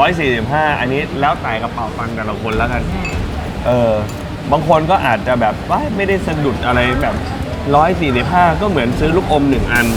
145อันนี้แล้วแต่กระเป๋าตังค์แต่ละคนแล้วกันบางคนก็อาจจะแบบว่าไม่ได้สะดุดอะไรแบบ145ก็เหมือนซื้อลูกอม1 อัน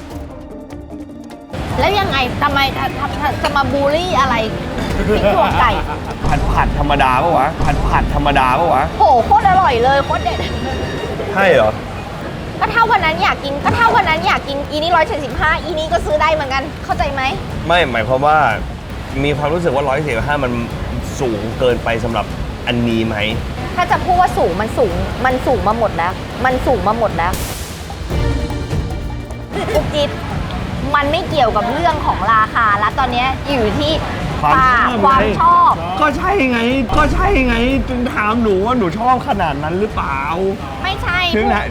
แล้วยังไงทำไมจะมาบูลลี่อะไรพริกถั่วไก่ผัดธรรมดาปะวะผัดธรรมดาปะวะโหโคตรอร่อยเลยโคตรเด็ดใช่เหรอก็ถ้าวันนั้นอยากกินอีนี้175อีนี้ก็ซื้อได้เหมือนกันเข้าใจไหมไม่หมายความว่ามีความรู้สึกว่า145มันสูงเกินไปสำหรับอันนี้ไหมถ้าจะพูดว่าสูงมันสูงมาหมดแล้วอุ๊บจิ๊บมันไม่เกี่ยวกับเรื่องของราคาแล้วตอนนี้อยู่ที่ความชอบก็ใช่ไงจึงถามหนูว่าหนูชอบขนาดนั้นหรือเปล่าไม่ใช่ถึงไหน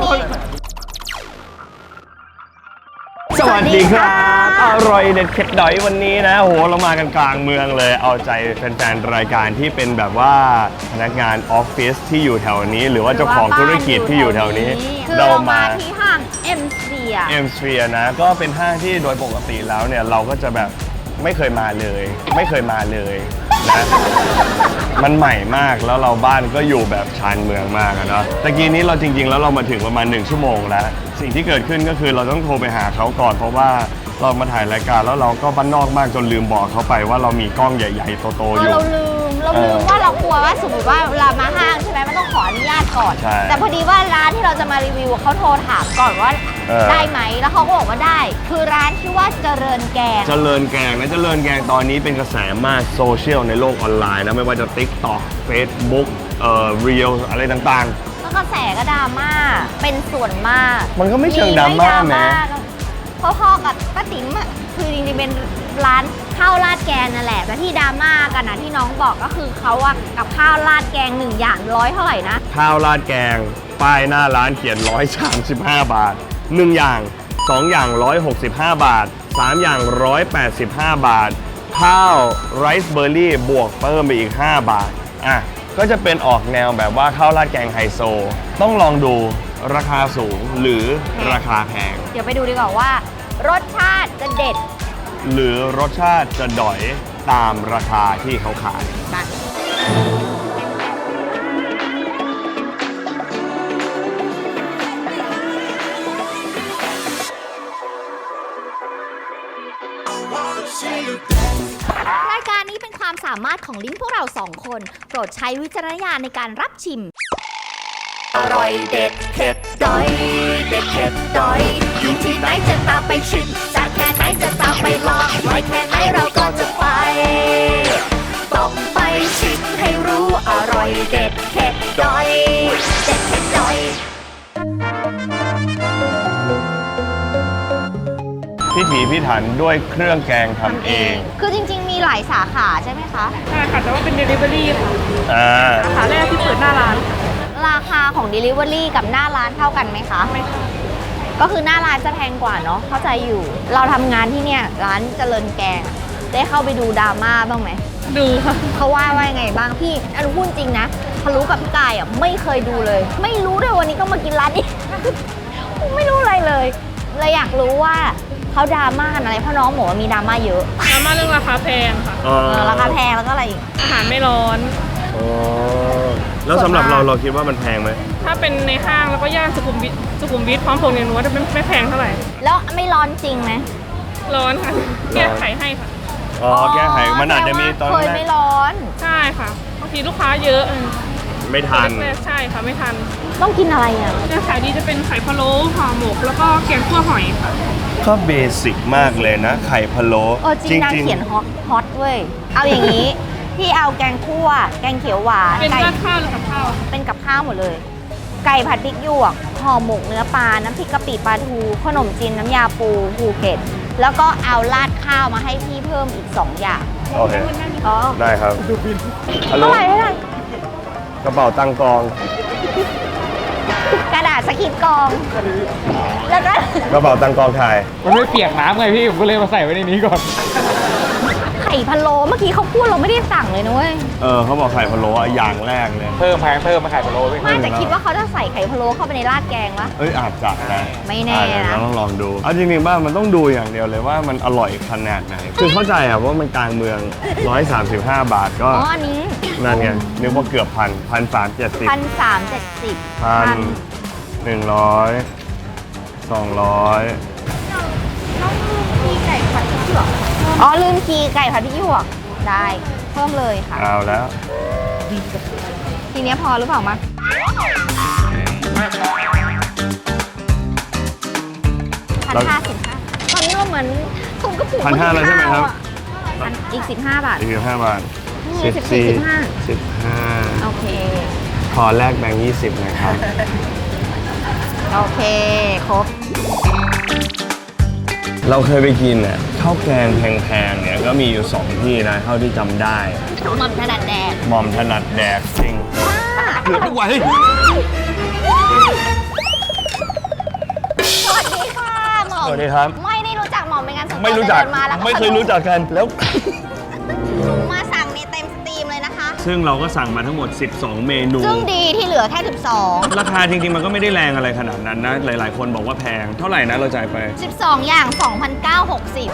สวัสดีครับอร่อยเด็ดเข็ดดอยวันนี้นะโหเรามากันกลางเมืองเลยเอาใจแฟนๆรายการที่เป็นแบบว่าพนักงานออฟฟิศที่อยู่แถวนี้หรือว่าเจ้าของธุรกิจที่อยู่แถวนี้เรามาที่ห้าง M Sphere นะก็เป็นห้างที่โดยปกติแล้วเนี่ยเราก็จะแบบไม่เคยมาเลยนะมันใหม่มากแล้วเราบ้านก็อยู่แบบชานเมืองมากอะเนาะตะกี้นี้เราจริงๆแล้วเรามาถึงประมาณ1 ชั่วโมงแล้วสิ่งที่เกิดขึ้นก็คือเราต้องโทรไปหาเขาก่อนเพราะว่าเรามาถ่ายรายการแล้วเราก็บ้านนอกมากจนลืมบอกเขาไปว่าเรามีกล้องใหญ่ๆโตๆอยู่เราลืมว่าเรากลัวว่าสมมติว่าเวลามาห้างใช่ไหมมันต้องขออนุญาตก่อนแต่พอดีว่าร้านที่เราจะมารีวิวเขาโทรถามก่อนว่าได้ไหมแล้วเขาก็บอกว่าได้คือร้านชื่อว่าเจริญแกงนะเจริญแกงตอนนี้เป็นกระแสมากโซเชียลในโลกออนไลน์นะไม่ว่าจะ TikTok Facebook Reels อะไรต่างๆแล้วกระแสก็ดราม่าเป็นส่วนมากมันก็ไม่เชิงดราม่าแม้พ่อกับป้าติ๋มคือจริงๆเป็นร้านข้าวราดแกงนั่นแหละแต่ที่ดราม่ากันนะที่น้องบอกก็คือเขาอะกับข้าวราดแกง1 อย่าง100เท่าไหร่นะข้าวราดแกงป้ายหน้าร้านเขียน135 บาท1 อย่าง2 อย่าง165 บาท3 อย่าง185 บาทข้าวไรซ์เบอร์รี่บวกเพิ่มไปอีก5 บาทก็จะเป็นออกแนวแบบว่าข้าวราดแกงไฮโซต้องลองดูราคาสูงหรือราคาแพงเดี๋ยวไปดูดีกว่าว่ารสชาติจะเด็ดหรือรสชาติจะด๋อยตามราคาที่เขาขายรายการนี้เป็นความสามารถของลิ้นพวกเรา2 คนโปรดใช้วิจารณญาณในการรับชิมอร่อยเด็ดเผ็ดดอยเด็ดเผ็ดดอยอยู่ที่ไหนจะตามไปชิมจากแค่ไหนจะตามไปลองไว้แค่ไหนเราก็จะไปต้องไปชิมให้รู้อร่อยเด็ดเผ็ดดอยเด็ดเผ็ดดอยพิถีพิถันด้วยเครื่องแกงทำเองคือจริงๆมีหลายสาขาใช่ไหมคะใช่ค่ะแต่ว่าเป็น Delivery ค่ะสาขาแรกที่เปิดหน้าร้านราคาของ Delivery กับหน้าร้านเท่ากันไหมคะไม่ค่ะก็คือหน้าร้านจะแพงกว่าเนาะเข้าใจอยู่เราทำงานที่เนี่ยร้านเจริญแกงได้เข้าไปดูดราม่าบ้างไหมดูค่ะเขาว่ายังไงบ้างพี่อนุพูดจริงนะทะลุกับพี่กายไม่เคยดูเลยไม่รู้ด้วยวันนี้ก็มากินร้านนี้ ไม่รู้อะไรเลยอยากรู้ว่าเขาดราม่าอะไรเพราะน้องบอกว่ามีดราม่าเยอะดราม่าเรื่องราคาแพงค่ะราคาแพงแล้วก็อะไรอีกอาหารไม่ร้อนแล้วสำหรับเราคิดว่ามันแพงไหมถ้าเป็นในห้างแล้วก็ย่านสุขุมวิทพร้อมพงษ์เรียนรู้ว่าไม่แพงเท่าไหร่แล้วไม่ร้อนจริงไหมร้อนค่ะแก้ไขให้ค่ะแก้ไขมันอาจจะมีตอนเคยไม่ร้อนใช่ค่ะบางทีลูกค้าเยอะไม่ทันใช่ค่ะไม่ทันต้องกินอะไรขายดีจะเป็นไข่พะโล้ห่อหมกแล้วก็แกงคั่วหอยค่ะก็เบสิกมากเลยนะไข่พะโล้จริงนางเขียนฮอตเว้ยเอาอย่างนี้พี่เอาแกงคั่วแกงเขียวหวานเป็นกับข้าวหรือกับข้าวเป็นกับข้าวหมดเลยไก่ผัดพริกหยวกห่อหมกเนื้อปลาน้ำพริกกะปิปลาทูขนมจีนน้ำยาปูภูเก็ตแล้วก็เอาราดข้าวมาให้พี่เพิ่มอีก2 อย่างโอเคได้ครับเท่าไหร่กระเป๋าตังกองกระดาษสกิดกองแล้วก็กระเป๋าตังกองถ่ายมันไม่เปียกน้ำไงพี่ผมก็เลยมาใส่ไว้ในนี้ก่อนขข่พะโล้เมื่อกี้เขาพูดเราไม่ได้สั่งเลยนะเว้ยเขาบอกไข่พะโล้อะอย่างแรกเลยเพิ่มมาไข่พะโล้พี่ไม่แต่คิดว่าเขาจะใส่ไข่พะโล้เข้าไปในราดแกงวะอาจจะนะไม่แน่นะเดี๋ยวเราต้องลองดูเอาจริงๆบ้างมันต้องดูอย่างเดียวเลยว่ามันอร่อยขนาดไหนคือเข้าใจอะว่ามันกลางเมือง 135 บาทก็อ๋ออันนี้นั่นไงนึกว่าเกือบ1,370 1,370 1,100 200 ต้องมีไก่ผัดพริกหยวกอ๋อลืมคีไก่ผัดพริกหยวกได้เพิ่มเลยค่ะเอาแล้วทีเนี้ยพอหรือเปล่ามา1,055ตอนนี้เราเหมือนถุงกระปุก 1,500แล้วใช่ไหมครับอีก15 บาท 15 บาทนี่ 15 โอเคขอแลกแบงค์20นะครับโอเค ครบเราเคยไปกินเนี่ยข้าวแกงแพงๆเนี่ยก็มีอยู่ 2 ที่นะเท่าที่จำได้หม่อมถนัดแดกหม่อมถนัดแดกจริงเกือบทุกวันเฮ้ยสวัสดีค่ะหม่อมสวัสดีครับไม่ได้รู้จักหม่อมเป็นงานส่วนตัวไม่รู้จักเดินมาแล้วไม่เคยรู้จักกันแล้วมาสั่งในเต็มสตรีมเลยนะคะซึ่งเราก็สั่งมาทั้งหมด 12 เมนูซึ่งดีที่เหลือแค่ราคาจริงๆมันก็ไม่ได้แรงอะไรขนาดนั้นนะ หลายๆ คนบอกว่าแพง เท่าไหร่นะเราจ่ายไป 12 12 อย่าง 2,960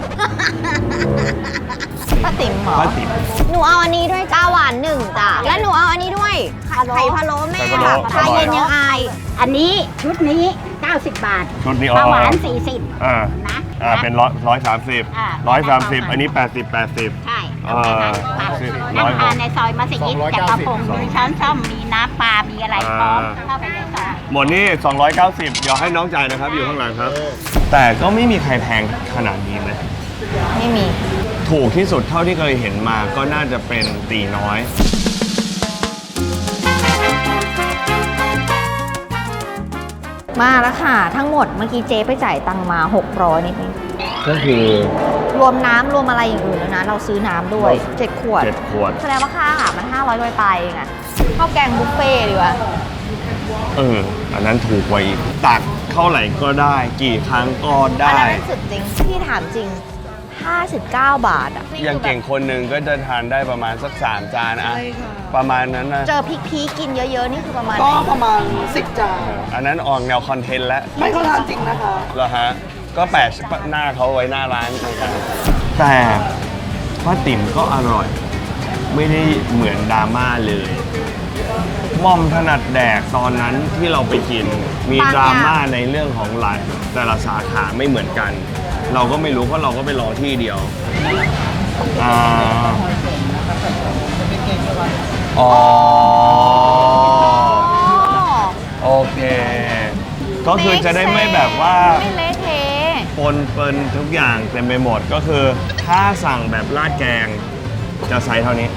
ป้าติ๋มเหรอป้าติ๋มหนูเอาอันนี้ด้วยจ้าหวานหนึ่งจ้ะและหนูเอาอันนี้ด้วยไข่พะโล้แม่ไข่พะโล้ชาเย็นยังอายอันนี้ชุดนี้ 90 บาทชุดนี้ปลาหวานอ๋อ 40 อ่านะเป็น130 อ่า 130 อันนี้ 80 ใช่เออนั่งทานในซอยมัสยิด 290 แต่กระพงมีช้อนส้อมมีน้ำปลา มีอะไรพร้อมอ่าเข้าไปในซอยหมดนี่ 290 เดี๋ยวให้น้องจ่ายนะครับ อยู่ข้างหลังครับ แต่ก็ไม่มีใครแพงขนาดนี้ไหมไม่มีถูกที่สุดเท่าที่เคยเห็นมาก็น่าจะเป็นตีน้อยมาแล้วค่ะ ทั้งหมดเมื่อกี้เจ๊ไปจ่ายตังค์มา 600นิดนึงก็คือรวมน้ำรวมอะไรอย่างอื่นแล้วนะ เราซื้อน้ำด้วย 7 ขวด 7 ขวดแสดงว่าค่าอาหารมัน 500ไปเองอะข้าวแกงบุฟเฟ่ต์ดีกว่าอันนั้นถูกกว่าอีกตักเท่าไหร่ก็ได้ กี่ครั้งก็อันได้นั้นสุดจริง พี่ถามจริง 59 บาทอะอย่างเก่งคนหนึ่งก็จะทานได้ประมาณสัก 3 จานอะประมาณนั้นนะเจอพริกพีกินเยอะๆ นี่คือประมาณไหก็นประมาณ 10 จานอันนั้นออกแนวคอนเทนต์แล้วไม่เขาทานจริงนะคะเหรอฮะ ก็แปะหน้าเขาไว้หน้าร้านเหมือนกันแต่ป้าติ๋มก็อร่อย ไม่ได้เหมือนดราม่าเลยหม่อมถนัดแดกตอนนั้นที่เราไปกิน มีดราม่าในเรื่องของหลายแต่ละสาขาไม่เหมือนกัน เราก็ไม่รู้เพราะเราก็ไปรอที่เดียวอ๋อโอเค ก็คือจะได้ไม่แบบว่าไม่เละเทะปนเปินทุกอย่างเต็มไปหมดก็คือถ้าสั่งแบบราดแกงจะไซส์เท่านี้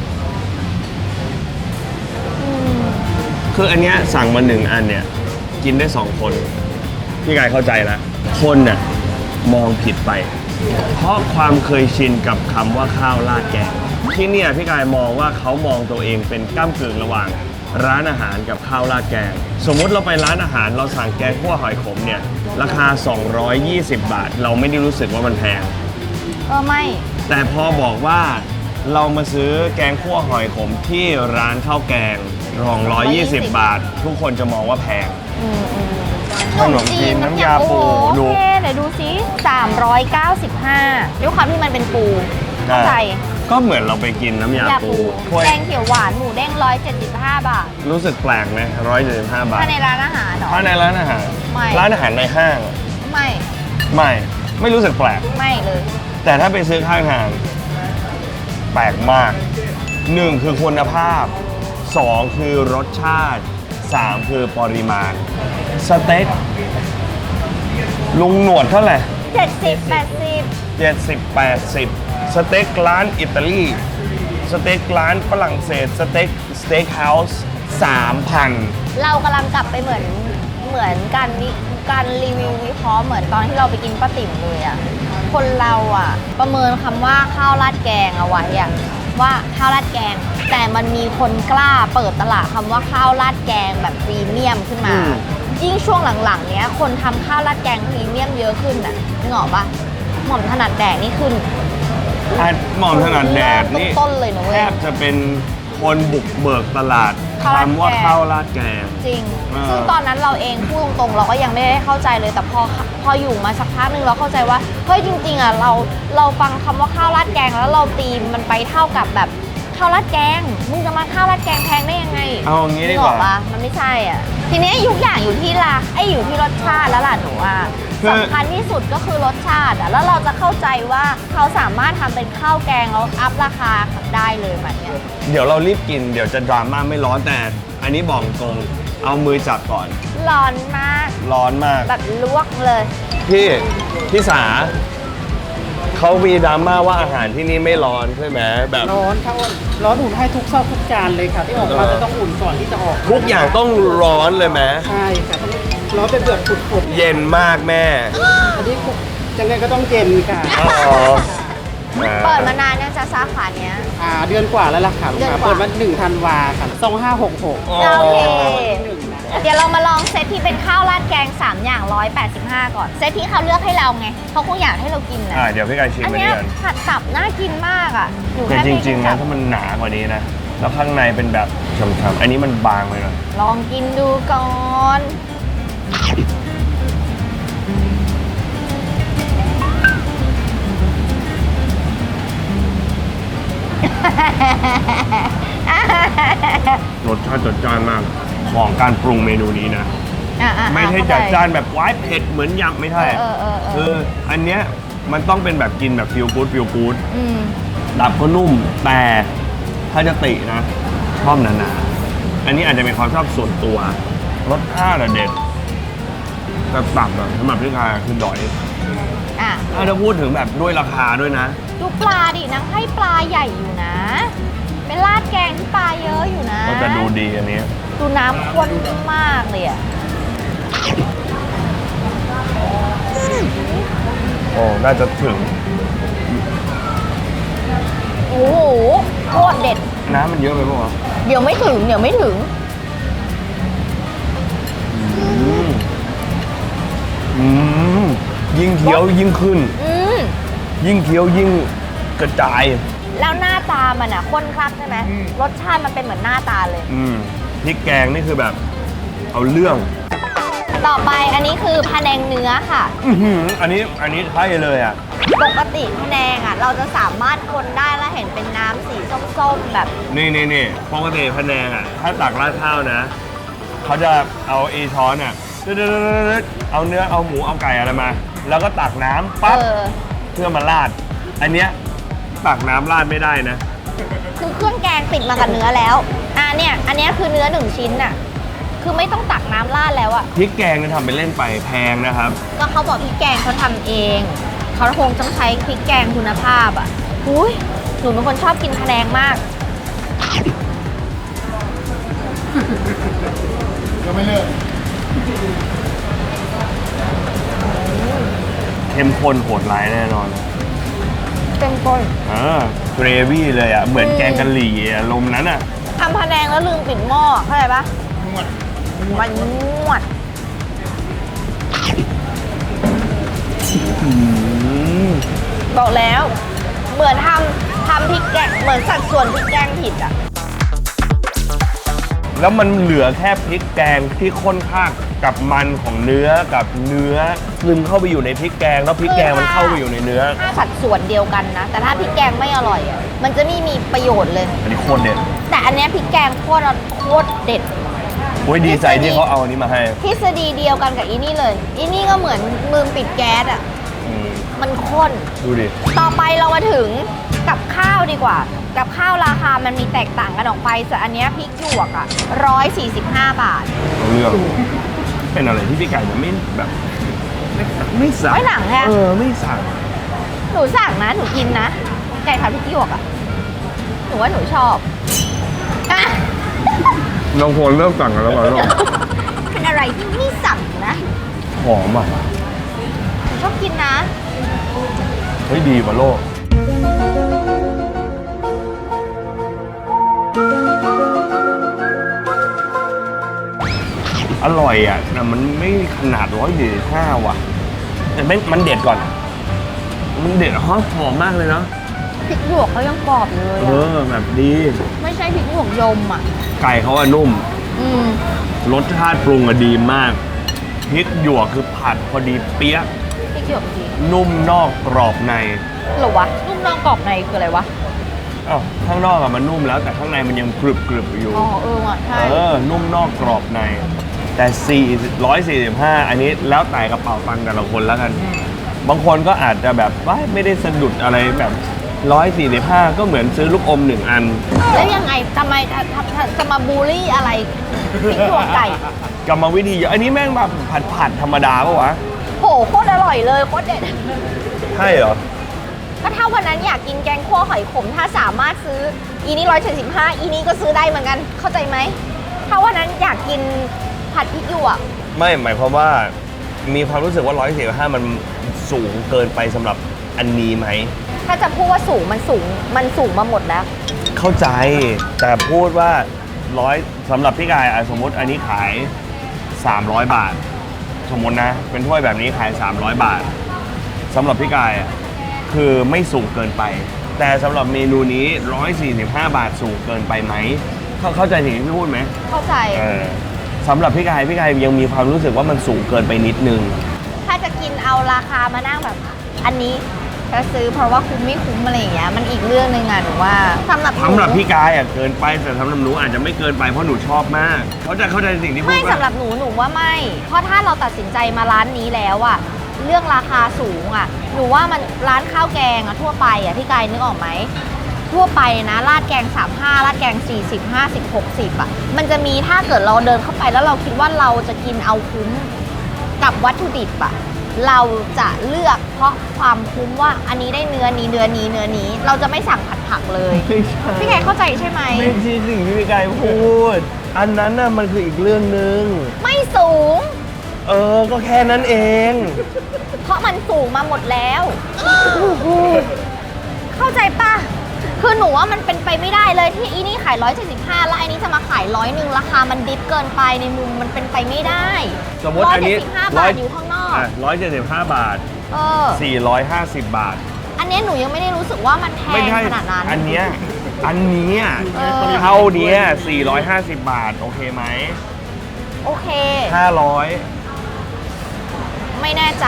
คืออันเนี้ยสั่งมา1 อันเนี่ยกินได้ 2 คน พี่กายเข้าใจแล้วคนน่ะมองผิดไป เพราะความเคยชินกับคำว่าข้าวราดแกงที่เนี่ยพี่กายมองว่าเขามองตัวเองเป็นก้ำกึ่งระหว่างร้านอาหารกับข้าวราดแกง สมมุติเราไปร้านอาหารเราสั่งแกงคั่วหอยขมเนี่ยราคา 220 บาท เราไม่ได้รู้สึกว่ามันแพงไม่แต่พอบอกว่าเรามาซื้อแกงคั่วหอยขมที่ร้านข้าวแกง220 บาท ทุกคนจะมองว่าแพง ขนมจีนน้ำยาปูโอดูเคเดี๋ยวดูซิ395ด้วยความที่มันเป็นปูเข้าใจก็เหมือนเราไปกินน้ำยาปูถ้วยแกงเขียวหวานหมูเด้ง175 บาทรู้สึกแปลกไหม175 บาทถ้าในร้านอาหารเหรอถ้าในร้านอาหารไม่ร้านอาหารในห้างไม่ไม่รู้สึกแปลกไม่เลยแต่ถ้าไปซื้อข้างทางแปลกมาก 1 คือคุณภาพ 2 คือรสชาติ 3 คือปริมาณ สเต็กลุงหนวดเท่าไหร่ 70 80 70-80 สเต็กร้านอิตาลีสเต็กร้านฝรั่งเศสสเต็กเฮาส์ 3,000 เรากำลังกลับไปเหมือนการรีวิววิเคราะห์เหมือนตอนที่เราไปกินป้าติ๋มเลยอะคนเราอะประเมินคำว่าข้าวราดแกงเอาไว้อะว่าข้าวราดแกง แต่มันมีคนกล้าเปิดตลาดคำว่าข้าวราดแกงแบบพรีเมียมขึ้นมา ยิ่งช่วงหลังๆเนี้ยคนทำข้าวราดแกงพรีเมียมเยอะขึ้นอะนึกออกปะหม่อมถนัดแดกนี่ขึ้นอ่ะหม่อมถนัดแดดนี่ต้นๆเลยนะแทเว้ยบจะเป็นคนบุกเบิกตลาดข้าวราดแกงคำว่าข้าวราดแกงจริงอ่าซึ่งตอนนั้นเราเองพูดตรงๆเราก็ยังไม่ได้เข้าใจเลย แต่พออยู่มาสักพักหนึงเราเข้าใจว่า เฮ้ยจริงๆอ่ะเราฟังคำว่าข้าวราดแกงแล้วเราตีมันไปเท่ากับแบบข้าวราดแกง มึงจะมาข้าวราดแกงแพงได้ยังไงเอาอย่างนี้ดีนึกว่าออปะมันไม่ใช่อ่ะ ทีนี้ทุกอย่างอยู่ที่อยู่ที่รสชาติแล้วล่ะหนูอ่ะคือสำคัญที่สุดก็คือรสชาติอ่ะ แล้วเราจะเข้าใจว่าเขาสามารถทำเป็นข้าวแกงแล้วอัพราคาได้เลยแบบเนี้ยเดี๋ยวเรารีบกินเดี๋ยวจะดราม่าไม่ร้อนแต่อันนี้บอกตรงเอามือจับก่อนร้อนมากร้อนมากแบบลวกเลยพี่สาเขามีดราม่าว่าอาหารที่นี่ไม่ร้อนใช่ไหมแบบร้อนค่ะร้อนอุ่นให้ทุกซอกทุกจานเลยค่ะ ที่ออกมาจะต้องอุ่นก่อนที่จะออกทุกอย่างต้องร้อนเลยไหมใช่ค่ะต้องร้อนเป็นเดือดฝุดเย็นมากแม่ๆอันนี้ยังไงก็ต้องเย็นค่ะอ๋อเปิดมานานเนี่ยจะสาขาเนี้ยเดือนกว่าแล้วล่ะค่ะเดือนกว่าเปิดมา1 ธันวาค่ะ2566 อ๋อโอเค เดี๋ยวเรามาลองเซตที่เป็นข้าวราดแกง 3 อย่าง 185 ก่อน เซตที่เขาเลือกให้เราไงเขาคงอยากให้เรากินนะเดี๋ยวพี่กายชิมอันไปเนี้ยด้วยกันผัดตับน่ากินมากอ่ะอยู่แต่แค่จไม่ริง ๆ นะกินถ้ามันหนากว่านี้นะ แล้วข้างในเป็นแบบฉ่ำๆอันนี้มันบางไปหน่อยลองกินดูก่อนรสชาติจัดจ้านมาก ของการปรุงเมนูนี้นะ ไม่ใช่จัดจ้านแบบว้ายเผ็ดเหมือนยำไม่ใช่ คืออันเนี้ยมันต้องเป็นแบบกินแบบฟิลกู๊ดอืมตับก็นุ่มแต่ถ้าจะตินะชอบหนาๆอันนี้อาจจะเป็นความชอบส่วนตัวรสชาติอะเด็ดแต่ตับอะสำหรับพี่กายคือดอยอ่ะถ้าจะพูดถึงแบบด้วยราคาด้วยนะดูปลาดินางให้ปลาใหญ่อยู่นะ เป็นราดแกงที่ปลาเยอะอยู่นะก็จะดูดีอันนี้ดูน้ำข้นมากเลยอ่ะโอ้น่าจะถึงโอ้โหโคตรเด็ดน้ำมันเยอะไปปะวะเดี๋ยวไม่ถึงอืมยิ่งเคี้ยวยิ่งขึ้นอืมยิ่งเคี้ยวยิ่งกระจายแล้วหน้าตามันอ่ะข้นคลักใช่ไหมรสชาติมันเป็นเหมือนหน้าตาเลยพริกแกงนี่คือแบบ เอาเรื่องต่อไปอันนี้คือพะแนงเนื้อค่ะอันนี้ใช่เลยอ่ะปกติพะแนงอ่ะ เราจะสามารถคนได้แล้วเห็นเป็นน้ำสีส้มๆแบบนี่ปกติพะแนงอ่ะ ถ้าตักราดข้าวนะ เขาจะเอาช้อนอ่ะเอาเนื้อเอาหมูเอาไก่อะไรมา แล้วก็ตักน้ำปั๊บเพื่อมาราด อันเนี้ยตักน้ำราดไม่ได้นะคือเครื่องแกงติดมากับเนื้อแล้วเนี่ยอันเนี้ยคือเนื้อ1 ชิ้นอ่ะ คือไม่ต้องตักน้ำราดแล้วอ่ะพริกแกงเนี่ยทำไปเล่นไปแพงนะครับก็เขาบอกพริกแกงเขาทำเอง เขาคงต้องใช้พริกแกงคุณภาพอ่ะอุ้ยหนูเป็นคนชอบกินพะแนงมากก็ไม่เลิกเข้มข้นโหดร้ายแน่นอนเต็มก้นเกรวี่เลยอ่ะ เหมือนแกงกะหรี่อารมณ์นั้นอ่ะทำพะแนงแล้วลืมปิดหม้อเข้าใจปะมันนวด บอกแล้วเหมือนทำพริกแกงเหมือนสัดส่วนพริกแกงผิดอ่ะแล้วมันเหลือแค่พริกแกงที่ข้นข้างกับมันของเนื้อกับเนื้อซึมเข้าไปอยู่ในพริกแกงแล้วพริกแกงมันเข้าไปอยู่ในเนื้อถ้าสัดส่วนเดียวกันนะ แต่ถ้าพริกแกงไม่อร่อยอ่ะมันจะไม่มีประโยชน์เลยอันนี้โคตรเด็ดแต่อันเนี้ยพริกแกงโคตรเด็ดโอ้ยดีใจที่เขาเอาอันนี้มาให้ทฤษฎีเดียวกันกับอีนี่เลย อีนี่ก็เหมือนมือปิดแก๊สอ่ะอืมมันข้นดูดิต่อไปเรามาถึงกับข้าวดีกว่า กับข้าวราคามันมีแตกต่างกันออกไปแต่อันเนี้ยพริกหยวกอ่ะ145 บาทเอาเรื่องเป็นอะไรที่พี่ไก่จะไม่แบบไม่สั่งไม่หนังไงไม่สั่งหนูสั่งนะ หนูกินนะ ไก่ผัดพริกหยวกอ่ะ หนูว่าหนูชอบอ่ะน้องโฟนเริ่มสั่งกันแล้วก่อนลูกเป็นอะไรที่ไม่สั่งนะหอมอ่ะหนูชอบกินนะเฮ้ยดีว่ะโลกอร่อยอ่ะแต่มันไม่ขนาด145ว่ะแต่มันเด็ดก่อน มันเด็ดหอมมากเลยเนาะพริกหยวกเขายังกรอบอยู่เลยเออะอแบบดีไม่ใช่พริกหยวกยมอ่ะไก่เขาอะนุ่มอืมรสชาติปรุงอะดีมากพริกหยวกคือผัดพอดีเปี๊ยะพริกหยวกดีนุ่มนอกกรอบในหรอวะนุ่มนอกกรอบในคืออะไรวะอ้าวข้างนอกอะมันนุ่มแล้วแต่ข้างในมันยังกรึบอยู่อ๋อว่ะใช่นุ่มนอกกรอบใน แต่145อันนี้แล้วแต่กระเป๋าตังค์แต่ละคนแล้วกัน บางคนก็อาจจะแบบว่าไม่ได้สะดุดอะไรแบบ145ก็เหมือนซื้อลูกอม1 อันแล้วยังไงทำไมจะมาบูลลี่อะไรพริกหยวกไก่กรรมวิธีเยอะอันนี้แม่งแบบผัดธรรมดาปะวะโหโคตรอร่อยเลยโคตรเด็ดใช่เหรอก็ถ้าวันนั้นอยากกินแกงคั่วหอยขมถ้าสามารถซื้ออีนี้175อีนี้ก็ซื้อได้เหมือนกันเข้าใจไหมถ้าวันนั้นอยากกินผัดพริกหยวกไม่หมายความว่ามีความรู้สึกว่า145มันสูงเกินไปสำหรับอันนี้ไหมถ้าจะพูดว่าสูงมันสูงมาหมดแล้วเข้าใจแต่พูดว่าสำหรับพี่กายสมมติอันนี้ขาย300 บาท สมมตินะ เป็นถ้วยแบบนี้ขาย300 บาทสำหรับพี่กายคือไม่สูงเกินไป แต่สำหรับเมนูนี้145 บาทสูงเกินไปไหมเข้าใจสิ่งที่พี่พูดไหมเข้าใจสำหรับพี่กายยังมีความรู้สึกว่ามันสูงเกินไปนิดนึงถ้าจะกินเอาราคามานั่งแบบ อันนี้จะซื้อเพราะว่าคุ้มไม่คุ้มอะไรอย่างเงี้ยมันอีกเรื่องหนึ่งอะหนูว่าสำหรับหนูสำหรับพี่กายเกินไปแต่สำหรับหนูอาจจะไม่เกินไปเพราะหนูชอบมากเข้าใจสิ่งที่พูดไม่ปะสำหรับหนูว่าไม่ เพราะถ้าเราตัดสินใจมาร้านนี้แล้วอะเรื่องราคาสูงอะหนูว่ามันร้านข้าวแกงอะทั่วไปอะพี่กายนึกออกไหมทั่วไปนะราดแกง35ราดแกง40 50 60อะมันจะมีถ้าเกิดเราเดินเข้าไปแล้วเราคิดว่าเราจะกินเอาคุ้มกับวัตถุดิบอะเราจะเลือกเพราะความคุ้มว่าอันนี้ได้เนื้อนี้เราจะไม่สั่งผัดผักเลยไม่ใช่พี่ไก่เข้าใจใช่ไหมไม่ใช่สิ่งที่พี่กายพูด อันนั้นน่ะมันคืออีกเรื่องหนึ่งไม่สูงก็แค่นั้นเองเพราะมันสูงมาหมดแล้วเข้าใจปะคือหนูว่ามันเป็นไปไม่ได้เลยที่อีนี่ขาย175แล้วไอ้นี้จะมาขาย100ราคามันดิฟเกินไปในมุมมันเป็นไปไม่ได้สมมติอันนี้ 175 บาทอยู่ข้างนอก 175 บาท 450 บาทอันเนี้ยหนูยังไม่ได้รู้สึกว่ามันแพไม่งใช่ขนาดนั้นอันเนี้ยเท่าเนี้ย450 บาท โอเคไหมโอเค 500 ไม่แน่ใจ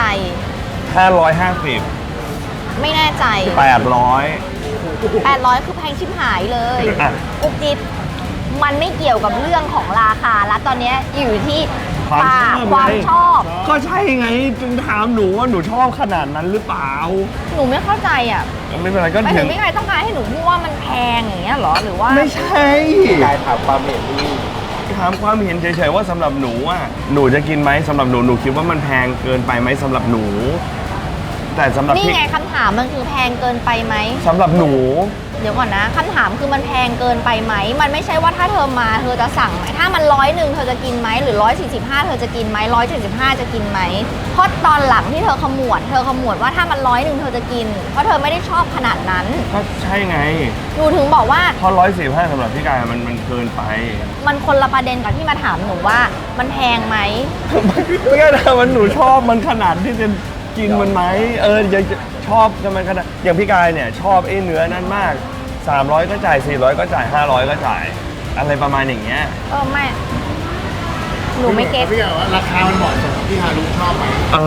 550 ไม่แน่ใจ 800 800คือแพงชิบหายเลยอ่ะอุกจิบมันไม่เกี่ยวกับเรื่องของราคาแล้วตอนเนี้ยอยู่ที่ความชอบก็ใช่ไงจึงถามหนูว่าหนูชอบขนาดนั้นหรือเปล่าหนูไม่เข้าใจอ่ะไม่เป็นไรก็ไม่ถึถึงงไม่ใครต้องการให้หนูพูดว่ามันแพงอย่างเงี้ยเหรอหรือว่าไม่ใช่กายถามความเห็นนี่ถามความเห็นเฉยๆว่าสำหรับหนูหนูจะกินไหมสำหรับหนูคิดว่ามันแพงเกินไปไหมสำหรับหนู แต่สำหรับนี่พี่ไงคำถามมันคือแพงเกินไปไหมสำหรับหนูเดี๋ยวก่อนนะคำถามคือมันแพงเกินไปไหมมันไม่ใช่ว่าถ้าเธอมาเธอจะสั่งไหมถ้ามัน100เธอจะกินไหมหรือ145เธอจะกินไหม175จะกินไหมเพราะตอนหลังที่เธอขมวดว่าถ้ามัน100เธอจะกิน เพราะเธอไม่ได้ชอบขนาดนั้นก็ใช่ไงหนูถึงบอกว่าเพราะ145สำหรับพี่กายมันเกินไปมันคนละประเด็นกับที่มาถามหนูว่ามันแพงไหมไม่ใช่นะมันหนูชอบมันขนาดที่จะกินมันไหมยังชอบกันมันขนาดอย่างพี่กายเนี่ยชอบไอ้เนื้อนั่นมาก300ก็จ่าย400ก็จ่าย500ก็จ่ายอะไรประมาณอย่างเงี้ยไม่หนูไม่เก็ตพี่บอกว่าราคามันเหมาะสมกับที่ฮารุชอบไหม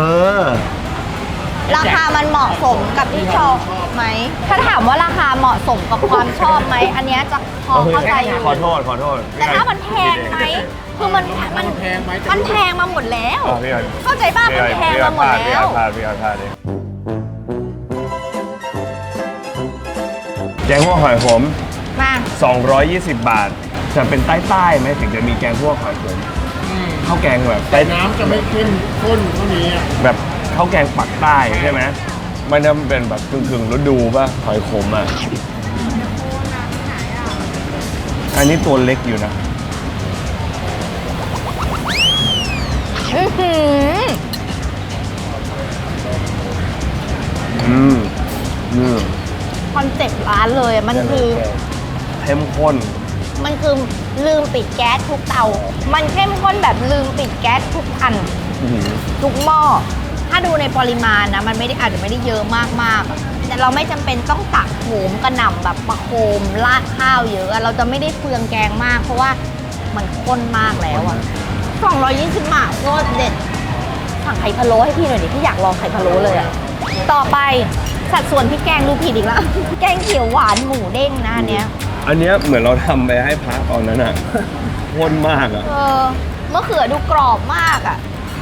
ราคามันเหมาะสมกับที่ชอบไหมถ้าถามว่าราคาเหมาะสมกับความชอบไหมอันเนี้ยจะพอเข้าใจอยู่ขอโทษแต่ถ้ามันแพงไหมคือมันแพงมาหมดแล้วพี่กายเข้าใจป่ะมันแพงมาหมดแล้วพี่กายดิแกงคั่วหอยขมมา 220 บาท จะเป็นใต้ๆไหมถึงจะมีแกงคั่วหอยขมข้าวแกงแบบแต่น้ำจะไม่เข้มข้นเท่านี้อะแบบข้าวแกงปักใต้ใช่ไหมมันจะเป็นแบบกึ่งฤดูป่ะหอยขมอ่ะอันนี้ตัวเล็กอยู่นะอื้อหือ คอนเซ็ปต์ร้านเลยอะมันคือเข้มข้นมันคือลืมปิดแก๊สทุกเตา มันเข้มข้นแบบลืมปิดแก๊สทุกอัน ทุกหม้อ ถ้าดูในปริมาณนะ มันไม่ได้อาจจะไม่ได้เยอะมากๆเราไม่จำเป็นต้องตักโหมกระหน่ำแบบประโคมราดข้าวเยอะเราจะไม่ได้เปลืองแกงมาก เพราะว่ามันข้นมากแล้วอะ220 บาทโคตรเด็ดสั่งไข่พะโล้ให้พี่หน่อยดิพี่อยากลองไข่พะโล้เลยอะต่อไปสัดส่วนพี่แกงดูผิดอีกแล้ว แกงเขียวหวานหมูเด้งนะอันเนี้ยอันเนี้ยเหมือนเราทำไปให้พระตอนนั้นอะข้นมากอะมะเขือดูกรอบมากอะ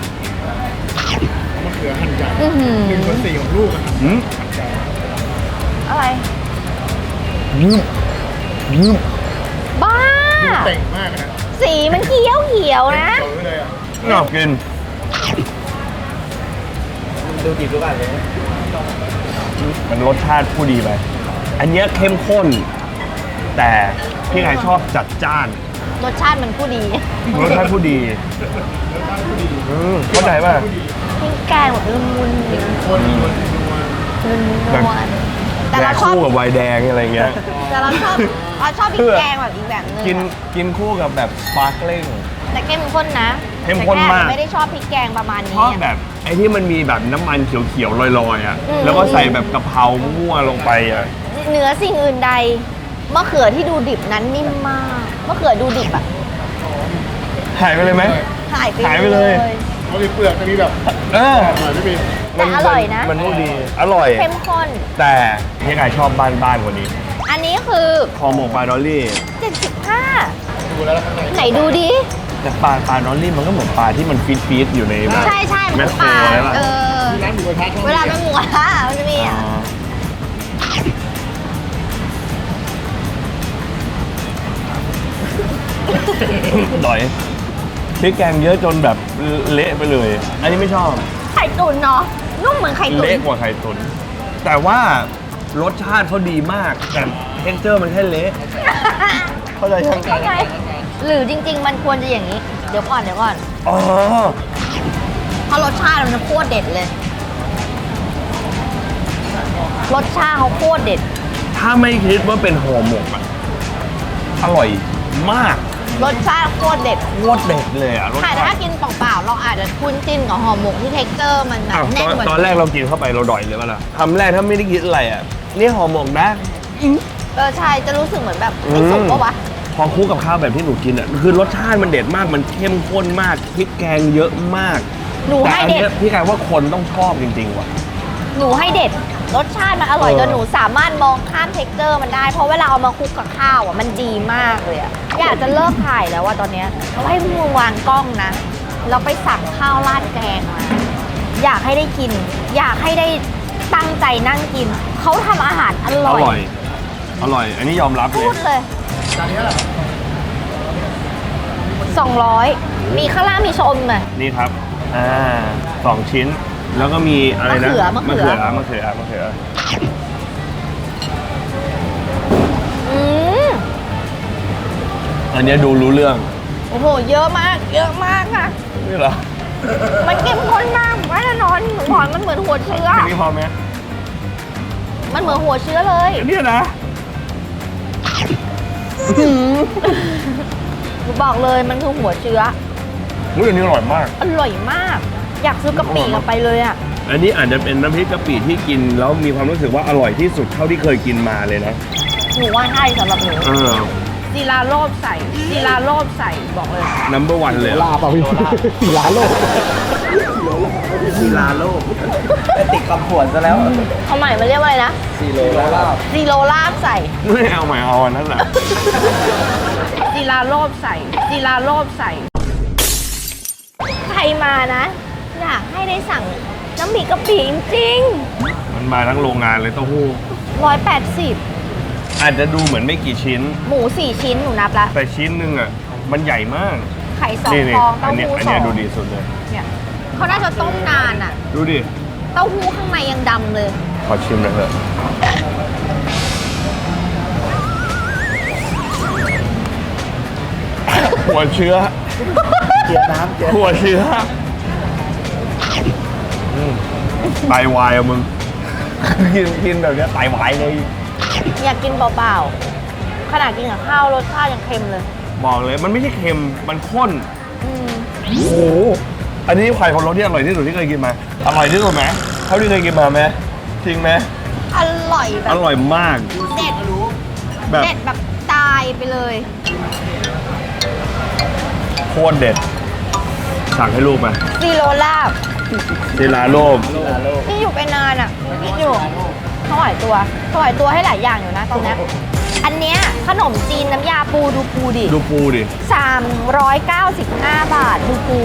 มะเขือหั่นใหญ่อื้อหือ 1/4ของลูกอะครับอืมอะไรยืมยืมบ้าเต่งมากนะสีมันเขียวเขียวๆนะโตเลยอ่ะน่ากินดูดิบรู้ป่ะเลยมันรสชาติผู้ดีไป อันเนี้ยเข้มข้น แต่พี่ไก่ชอบจัดจ้านรสชาติมันผู้ดีรสชาติผู้ดีเข้าใจป่ะพี่แกงแบบละมุนลิ้นคนนัวละมุนแบบนวลแต่แดเรากชอบคู่กับไวน์แดงอะไรเงี้ยแต่เราชอบพริกแกงแบบอีกแบบนึงกินคู่กับแบบสปาร์คลิ่งแต่เข้มข้นนะเข้มข้นมากแต่แค่ไม่ได้ชอบพริกแกงประมาณชนี้อบแบบไอ้ที่มันมีแบบน้ำมันเขียวๆลอยๆอ่ะอืมแล้วก็ใส่แบบกะเพรามั่วลงไปอ่ะเหนือสิ่งอื่นใดมะเขือที่ดูดิบนั้นนิ่มมากมะเขือดูดิบอะหายไปเลยไหมหายหายไปเลยเขามีเปลือกจะมีแบบเออหน่อยไม่มีแต่อร่อยนะมันผู้ดี อร่อยเข้มข้นแต่พี่ไก่ชอบบ้านกว่านี้อันนี้คือคอหมกปลาดอลลี่ 75 ดูแล้วข้างในไหนดูดิแต่ปลาดอลลี่มันก็เหมือนปลาที่มันฟีดอยู่ในแบบใช่ใช่ๆแมมันคโคปรลาใช่ปะที่ร้านหมูกระทะชอบเวลาเป็นหมูกระทะมันจะมีอ๋อ่ะอร่อยพริกแกงเยอะจนแบบเละไปเลย อันนี้ไม่ชอบไข่ตุ๋นเนาะนุ่มเหมือนไข่ตุ๋นเละกว่าไข่ตุ๋นแต่ว่ารสชาติเขาดีมาก แต่เท็กเจอร์มันแค่เละ เข้าใจยังเข้าใจหรือจริง ๆ มันควรจะอย่างนี้ เดี๋ยวก่อนอ๋อเพราะรสชาติมันโคตรเด็ดเลย รสชาติเขาโคตรเด็ดถ้าไม่คิดว่าเป็นห่อหมกอะอร่อยมากรสชาติโคตรเด็ดโคตรเด็ดเลยอะรสค่ะแต่ชาถ้าติกินเปล่าๆเราอาจจะคุ้นจิ้นกับห่อหมกที่เท็กเจอร์มันแบบอ้าวแน่นกว่าตอนแรกเรากินเข้าไปเราดอยเลยป่ะล่ะคำแรกถ้าไม่ได้คิดอะไรอะนี่ห่อหมกนะใช่จะรู้สึกเหมือนแบบไม่สุกปะวะพอคู่กับข้าวแบบที่หนูกินอะคือรสชาติมันเด็ดมากมันเข้มข้นมากพริกแกงเยอะมากหนูแต่ให้อันเด็ดเนี้ยพี่กายว่าคนต้องชอบจริงๆว่ะหนูให้เด็ด รสชาติมันอร่อยเออจนหนูสามารถมองข้ามเท็กเจอร์มันได้ เพราะเวลาเอามาคลุกกับข้าวอ่ะมันดีมากเลยอ่ะอยากจะเลิกถ่ายแล้วว่าตอนเนี้ยเราให้มึงวางกล้องนะเราไปสั่งข้าวราดแกงมาอยากให้ได้กิน อยากให้ได้ตั้งใจนั่งกินเขาทำอาหารออร่อยร่อย อร่อย อันนี้ยอมรับเลพูยดเลยจานนี้แหละ 200 มีข้างล่างมีชมเลยนี่ครับ 2 ชิ้น แล้วก็มีอะไรนะมะเขือมะเขืออืมอันเนี้ยดูรู้เรื่องโอ้โหเยอะมากค่ะนี่เหรอมันเข้มข้นมากแน่นอนหนูบอกมันเหมือนหัวเชื้ออันนี้พอไหมมันเหมือนหัวเชื้อเลยอันนี้นะหนูบอกเลยมันคือหัวเชื้ออุ้ยอันนี้อร่อยมากอร่อยมาก อยากซื้อกะปิกลับไปเลยอ่ะอันนี้อาจจะเป็นน้ำพริกกะปิที่กินแล้วมีความรู้สึกว่าอร่อยที่สุดเท่าที่เคยกินมาเลยนะหนูว่าให้สำหรับหนู ศิลาโลบใส่บอกเลย number one เลยลาเปล่าพี่สีลาโลกซีลาโลกแต่ติดคำผวนซะแล้วเขาใหม่มาเรียกว่าอะไรนะซีโรลาบซีโรลาบใส่ไม่เอาใหม่เอาอันนั้นแหละศิลาโลบใส่ ใครมานะ อยากให้ได้สั่งน้ำพริกกะปิจริงมันมาทั้งโรงงานเลยเต้าหู้ๆ180 อาจจะดูเหมือนไม่กี่ชิ้นหมู 4 ชิ้นหนูนับละแต่ชิ้นหนึงอ่ะ มันใหญ่มากไข่2 นี่ฟองอัเต้านเนี้ยหู้อันสอเนี้ยงดูดีสุดเลยเนี่ยเขาน่าจะต้มนานอ่ะดูดิเต้าหู้ข้างในยังดำเลยขอชิมหน่อยเถอะหัวเชื้อเจียน้ำเจียหัวเชื้อไตวายอะมึง กินแบบเนี้ยไตวายเลยอยากกินเปล่าๆ ขนาดกินกับข้าวรสชาติยังเค็มเลยบอกเลยมันไม่ใช่เค็ม มันข้นอืมโอ้โห อันนี้ไข่พะโล้ที่อร่อยที่สุดที่เคยกินมา อร่อยที่สุดไหมเท่าที่เคยกินมาไหมจริงไหมอร่อยแบอบ ร่อยมากเด็ดแบบเด็ดแบบตายไปเลยโคตรเด็ด สั่งให้ลูกไหมซีโรลาบซีลาโลบที่อยู่ไปนานอ่ะคิดอยู่ถวายตัวให้หลายอย่างอยู่นะตอนเนี้ยอันเนี้ยขนมจีนน้ำยาปูดูปูดิดูปูดิ 395 บาทดูปู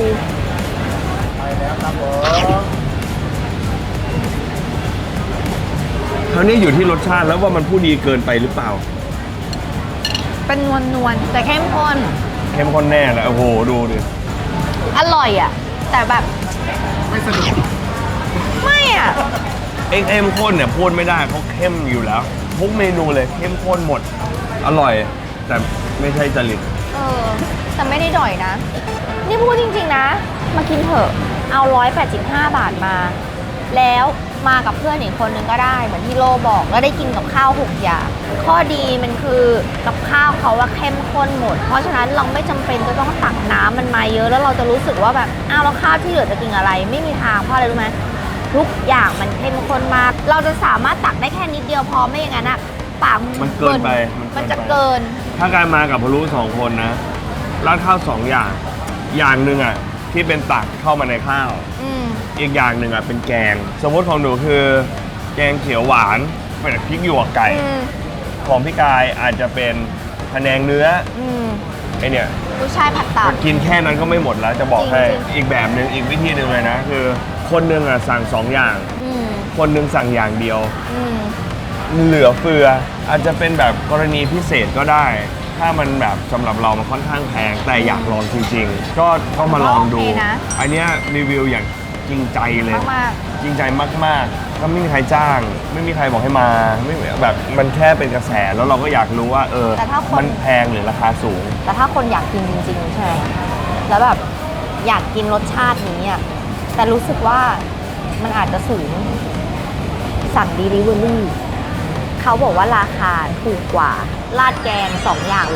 คราวนี้อยู่ที่รสชาติแล้วว่ามันผู้ดีเกินไปหรือเปล่าเป็นนวลแต่เข้มข้นเข้มข้นแน่แหละโอ้โห ดูดิอร่อยอ่ะ แต่แบบไม่สนุกไม่อ่ะเข้มข้นเนี่ยพูดไม่ได้เขาเข้มอยู่แล้ว ทุกเมนูเลยเข้มข้นหมด อร่อย แต่ไม่ใช่จริตเออ แต่ไม่ได้ด่อยนะ นี่พูดจริงๆนะ มากินเถอะ เอา185 บาทมา แล้วมากับเพื่อนอีกคนนึงก็ได้ เหมือนที่โลบอก แล้วได้กินกับข้าว6อย่าง ข้อดีมันคือกับข้าวเขาว่าเข้มข้นหมด เพราะฉะนั้นเราไม่จำเป็นจะต้องตักน้ำมันมาเยอะ แล้วเราจะรู้สึกว่าแบบ อ้าวแล้วข้าวที่เหลือจะกินอะไร ไม่มีทาง เพราะอะไรรู้ไหมทุกอย่างมันเข้มข้นมาก เราจะสามารถตักได้แค่นิดเดียวพอไม่อย่างนั้นอะปากมันเกินไปมันจะเกินถ้าการมากับพะลุ2 คนนะราดข้าว2 อย่าง อย่างหนึ่งอ่ะที่เป็นตักเข้ามาในข้าวอืมอีกอย่างหนึ่งอ่ะเป็นแกง สมมติของหนูคือ แกงเขียวหวานเป็นพริกหยวกไก่อืมของพี่กายอาจจะเป็นพะแนงเนื้ออืมไอเนี่ยกุ้ยช่ายผัดตับกินแค่นั้นก็ไม่หมดแล้วจะบอกให้จริงอีกแบบหนึ่งอีกวิธีหนึ่งเลยนะ คือคนหนึ่งอ่ะสั่ง2 อย่างอืมคนหนึ่งสั่งอย่างเดียวอืมเหลือเฟืออาจจะเป็นแบบกรณีพิเศษก็ได้ ถ้ามันแบบสำหรับเรามันค่อนข้างแพงแต่อยากลองจริงๆ ก็มาลองดูโอเคนะอันเนี้ยรีวิวอย่างจริงใจเลยมากจริงใจมากๆก็ไม่มีใครจ้าง ไม่มีใครบอกให้มาไม่แบบมันแค่เป็นกระแสแล้วเราก็อยากรู้ว่ามันแพงหรือราคาสูงๆแต่ถ้าคนอยากกินจริงๆใช่ไหมแล้วแบบอยากกินรสชาตินี้อ่ะ แต่รู้สึกว่ามันอาจจะสูง สั่ง Delivery เขาบอกว่าราคาถูกกว่าราดแกง2 อย่าง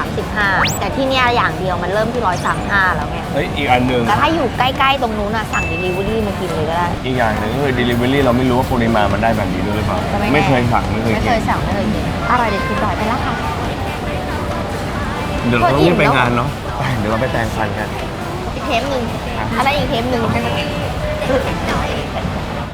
135 แต่ที่เนี่ยอย่างเดียวมันเริ่มที่ 135 แล้วไงเฮ้ยอีกอันหนึ่งแต่ถ้าอยู่ใกล้ๆตรงนู้นอ่ะสั่ง Delivery มากินเลยก็ได้อีกอย่างหนึ่งก็คือ delivery เราไม่รู้ว่าปริมาณมันได้แบบนี้ด้วยหรือเปล่าก็ไม่แน่ไม่เคยสั่งไม่เคยไม่กิเคน ยสั่งไม่เคยกินอร่อยเด็ดคือดอยไปแล้วค่ะเดี๋ยวเราต้องรีบไปงานเนาะไปเดี๋ยวเราไปแต่งฟันกันอีกเทปหนึ่งอันนั้นอีกเทปหนึ่ง